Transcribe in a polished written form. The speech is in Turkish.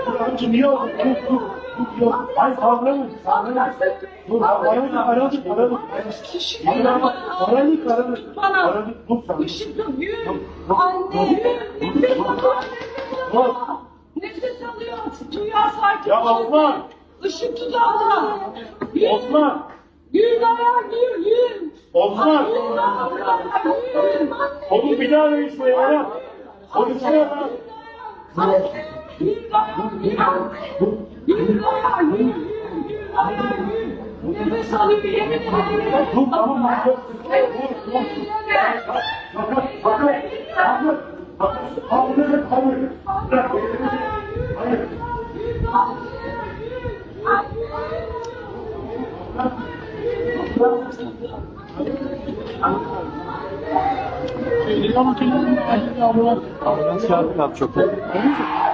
Amca niye oldu? Dur. Hayır kavramış. Dur aradık. Aradık. Dur sen. Işıkım yürü. Anne nefes alıyor. Nefes alıyor. Duyar sakin. Ya Osman. Işık tuzağına. Osman. Yürü dayan yürü. Osman. Yürü. Oğlum bir daha arayın şuraya ya. Konuşsana ya. Yürü dayan yürü. Yürü dayan yürü. Nefes alıyor yemin ederim. Dur tamam lan. Dur. Hayır. Ambulans çağırdık abi çok.